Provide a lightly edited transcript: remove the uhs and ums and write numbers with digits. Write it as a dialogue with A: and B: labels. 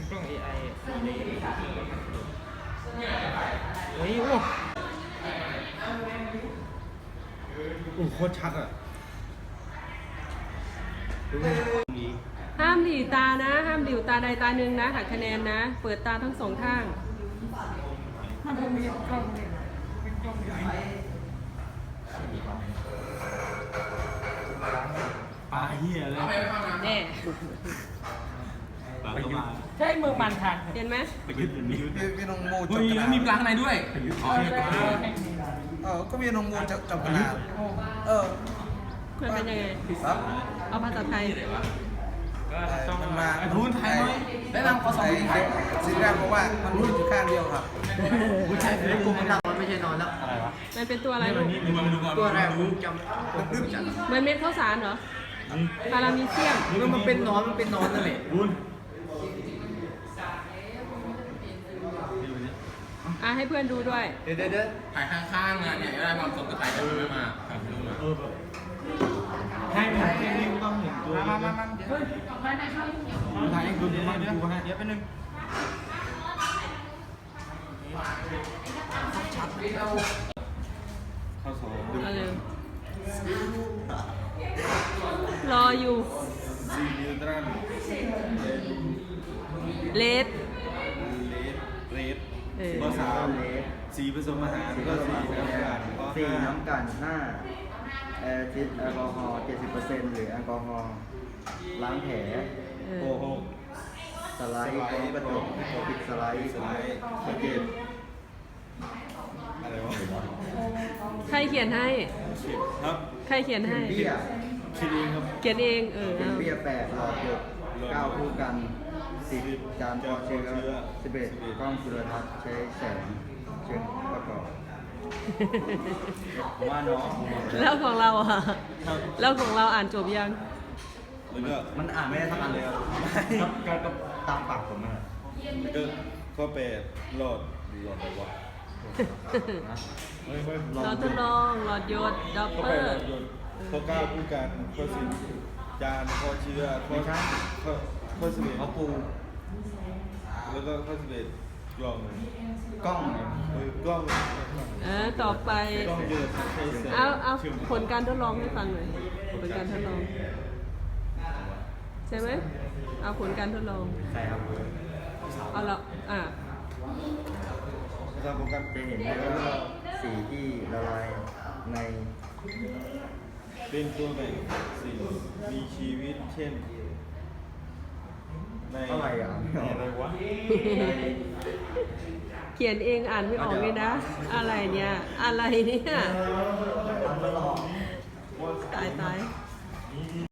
A: กล้อง AI เฮ้ยโอ้โคตรชัดอ่ะ
B: ห้ามหลีตานะ ห้ามหลิวตาใดตาหนึ่งนะหักคะแนนนะ เปิดตาทั้งสองข้าง
A: ปลาเหี้ยเลย
B: แน่
A: ปลาก็มา
C: ใช่เมืองมันทาง
B: เห็นไหม
A: ไปยึดอย่างนี้
D: มีน้องโมจั
A: เฮ้
D: บ
A: ย
D: กระ
A: แล้
D: ดาว ษ
A: มีปลาข้างในด้วยอ๋อ
D: ก็มีน้องโมจับกระดาษ
B: มันเป็นยังไง
D: ครับ
B: เอาภาษาไทย
D: มันมา
A: พูดไทยหน่อยแนะนำเขาสอนไทย
D: สิ่งแรกเพราะว่ามันมีอยู่ข้างเดียวครับ
A: พูดไทยเดี๋ยวกูไม่นั่ง
C: ไม่ใช่นอนแล้วอะไรวะ
B: มันเป็นตัวอะไรลูก
A: ดูมาดูก่อน
C: ตัวแรก
A: ดู
C: จำดึ๊บจัง
B: เหมือนเม็ดข้าวสารเหรอพารามีเซียม
C: มันเป็นนอนนั่นแหละ
A: บุญ
B: ให้เพื่อนดูด้วย
C: เดี๋ยว
E: ถ่ายข้างๆอ่ะเนี่ยได้ความสมกับถ่ายกันไม่มา
A: ให้นี่ต้องเห็นตัวมาถ่ายให้ดูมาดูให้เดี๋ยวไปนึงเข้าสองดู
B: เอาเลยรออยู่
A: ซีนิวตรัน
B: เลส
A: เรดข้อสามสีผสมอาหารก็สีน้ำตาลข้อ
F: สี่
A: ห้า
F: น้ำกัน5แอลกอฮอล์ 70% หรือแอลกอฮอล์ล้างแผลโกหกสไลด์พร้อมกระจกปิดสไลด์สเก็ต
A: อะไรวะ
B: ใครเขียนให้
A: ครับ
B: ใครเขียนให้
F: เบี้ย
A: คิดเองครับ
B: เขียนเอง
F: เป็นเบี้ย8หลอดหยด9คู่กัน10จานปอเชื้อ11กล้องจุลทรรศน์ใช้แสงเชิงประกอบผมว่าน้อง
B: แล้วของเราอ่ะ แล้วของเราอ่านจบยัง
A: แล้วก็
F: มันอ่านไม่ได้ทั้งอันเลยครับก็ตามปากผมนะ
A: แล้วก็ข้อแปดหลอดอะไรวะไม่
B: เราทดลองหลอดหยดดับ
A: ข้อ
B: เป
A: แป
B: อ
A: ดหลอ
B: ร์
A: ดยนต์ข้อเก้าคู่กันข้อสิบจานข้อเชื้อข้อสิบเอ็ด
F: เขาปู
A: แล้วก็ข้อสิบเอ็ดกล่อง
F: กล้อง
A: กล้อง
B: ต่อไป
A: กล้องเยอะใช้แสง
B: เอาผลการทดลองให้ฟังหน่อยผลการทดลอง ใช่ไหมเอาผลการทดลอง
F: ใช่ครับ
B: เอาละ
A: นะครับผมกัน
F: จะเห็นได้ว่าสีที่ละลายใน
A: เป็นตัวแบ่งสิ่งมีชีวิตเช่นใน
F: อะไรอ่ะ
A: อะไรวะ
B: เขียนเองอ่านไม่ออกเลยนะ อะไรเนี่ย อะไรเนี่ย ตาย